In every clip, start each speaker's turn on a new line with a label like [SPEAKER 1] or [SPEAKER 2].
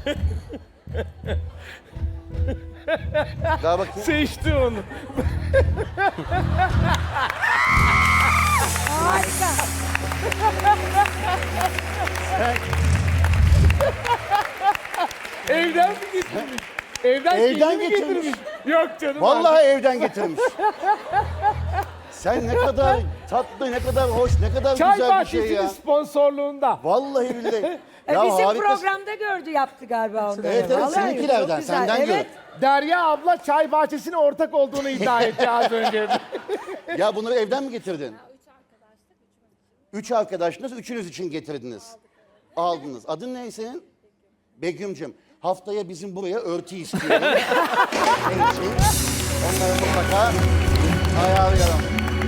[SPEAKER 1] Daha bakayım.
[SPEAKER 2] Seçti onu.
[SPEAKER 3] Harika.
[SPEAKER 2] Evden mi getirmiş? Evden
[SPEAKER 1] Evden
[SPEAKER 2] mi
[SPEAKER 1] getirmiş.
[SPEAKER 2] getirmiş? Yok canım.
[SPEAKER 1] Vallahi evden getirmiş. Sen ne kadar tatlı, ne kadar hoş, ne kadar
[SPEAKER 2] Çay
[SPEAKER 1] güzel bir şey
[SPEAKER 2] bahçesinin
[SPEAKER 1] ya.
[SPEAKER 2] sponsorluğunda.
[SPEAKER 1] Vallahi billahi.
[SPEAKER 3] Bizim
[SPEAKER 1] harikasın.
[SPEAKER 3] programda gördü yaptı galiba onları.
[SPEAKER 1] Evet, evet,
[SPEAKER 3] Vallahi
[SPEAKER 1] seninkilerden,
[SPEAKER 3] çok güzel.
[SPEAKER 1] senden
[SPEAKER 3] evet.
[SPEAKER 1] gördüm.
[SPEAKER 2] Derya abla çay bahçesine ortak olduğunu iddia etti az önce.
[SPEAKER 1] Ya bunları evden mi getirdin? Üç arkadaşınız, üçünüz için getirdiniz. Aldınız. Adın ne senin? Begüm'cüm. Haftaya bizim buraya örtü istiyorum. Senin için. Onları mutlaka ayarlayalım.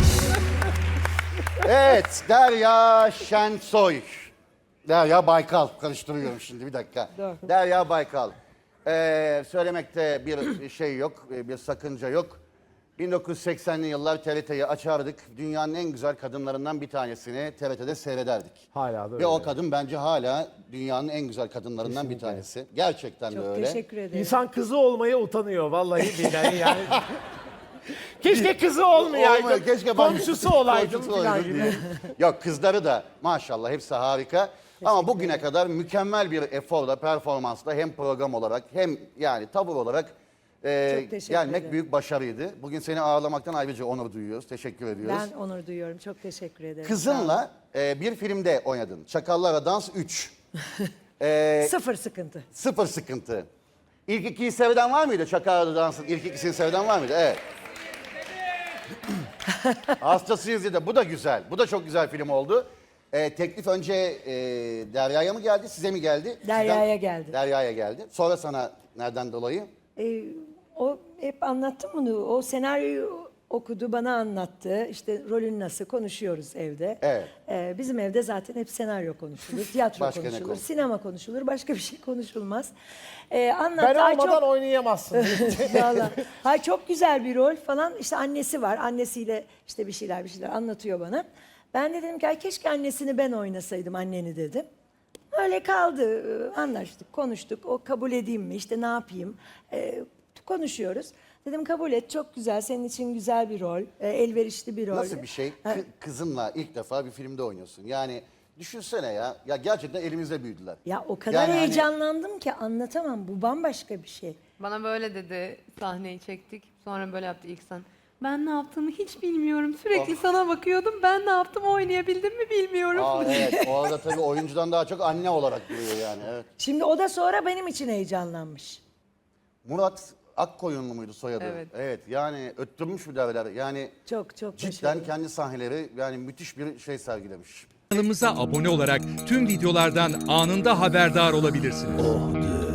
[SPEAKER 1] Evet, Derya Şensoy. Derya Baykal. Karıştırıyorum şimdi, bir dakika. Derya Baykal. Söylemekte bir şey yok, bir sakınca yok. 1980'li yıllar TRT'yi açardık. Dünyanın en güzel kadınlarından bir tanesini TRT'de seyrederdik.
[SPEAKER 2] Hala da
[SPEAKER 1] Ve
[SPEAKER 2] öyle.
[SPEAKER 1] o kadın bence hala dünyanın en güzel kadınlarından bir tanesi. Gerçekten de
[SPEAKER 3] Çok
[SPEAKER 1] öyle.
[SPEAKER 3] teşekkür ederim.
[SPEAKER 2] İnsan kızı olmaya utanıyor vallahi billahi yani. Keşke kızı olmayaydım.
[SPEAKER 1] Olmuyor, keşke ben-
[SPEAKER 2] Komşusu olaydım
[SPEAKER 1] komşusu
[SPEAKER 2] falan
[SPEAKER 1] olaydım
[SPEAKER 2] gibi.
[SPEAKER 1] diye. Yok, kızları da maşallah hepsi harika. Ama bugüne kadar mükemmel bir eforla, performansla hem program olarak hem yani tavır olarak
[SPEAKER 3] teşekkür
[SPEAKER 1] gelmek
[SPEAKER 3] ederim.
[SPEAKER 1] büyük başarıydı. Bugün seni ağırlamaktan ayrıca onur duyuyoruz. Teşekkür ediyoruz.
[SPEAKER 3] Ben onur duyuyorum. Çok teşekkür ederim. Sağ
[SPEAKER 1] Kızınla bir filmde oynadın. Çakallara Dans 3.
[SPEAKER 3] olun. Sıfır sıkıntı.
[SPEAKER 1] Sıfır sıkıntı. İlk ikiyi seyreden var mıydı? Çakallara Dans'ın ilk ikisini seyreden var mıydı? Evet. Hastasıyız dedi. Bu da güzel. Bu da çok güzel film oldu. Teklif önce Derya'ya mı geldi, size mi geldi?
[SPEAKER 3] Derya'ya geldi.
[SPEAKER 1] Derya'ya geldi. Sonra sana nereden dolayı?
[SPEAKER 3] O hep anlattım bunu. O senaryoyu okudu, bana anlattı. İşte rolün nasıl konuşuyoruz evde.
[SPEAKER 1] Evet.
[SPEAKER 3] Bizim evde zaten hep senaryo konuşulur, tiyatro
[SPEAKER 1] Başka ne
[SPEAKER 3] konuşulur,
[SPEAKER 1] konuşulur?
[SPEAKER 3] sinema konuşulur, başka bir şey konuşulmaz.
[SPEAKER 2] Ben
[SPEAKER 3] Anlattı. Ay
[SPEAKER 2] olmadan
[SPEAKER 3] çok,
[SPEAKER 2] oynayamazsın.
[SPEAKER 3] Vallahi. Ay çok güzel bir rol falan. İşte annesi var. Annesiyle işte bir şeyler anlatıyor bana. Ben de dedim ki ay keşke annesini ben oynasaydım, anneni dedim. Öyle kaldı. Anlaştık, konuştuk. O kabul edeyim mi? İşte ne yapayım? Konuşuyoruz. Dedim kabul et. Çok güzel. Senin için güzel bir rol. Elverişli bir rol.
[SPEAKER 1] Nasıl bir şey? Kızınla ilk defa bir filmde oynuyorsun. Yani düşünsene ya. Ya gerçekten elimizde büyüdüler.
[SPEAKER 3] Ya o kadar
[SPEAKER 1] Yani hani-
[SPEAKER 3] heyecanlandım ki anlatamam. Bu bambaşka bir şey.
[SPEAKER 4] Bana böyle dedi, sahneyi çektik. Sonra böyle yaptı ilk sen. Ben ne yaptığımı hiç bilmiyorum. Sürekli sana bakıyordum. Ben ne yaptım, oynayabildim mi bilmiyorum.
[SPEAKER 1] Aa, evet. O arada tabii oyuncudan daha çok anne olarak duruyor yani. Evet.
[SPEAKER 3] Şimdi o da sonra benim için heyecanlanmış.
[SPEAKER 1] Murat Akkoyunlu muydu soyadı?
[SPEAKER 4] Evet.
[SPEAKER 1] Evet. Yani öttürmüş bir derler. Yani
[SPEAKER 3] Çok
[SPEAKER 1] cidden
[SPEAKER 3] başarılı.
[SPEAKER 1] kendi sahneleri yani müthiş bir şey sergilemiş.
[SPEAKER 5] Kanalımıza abone olarak tüm videolardan anında haberdar olabilirsiniz.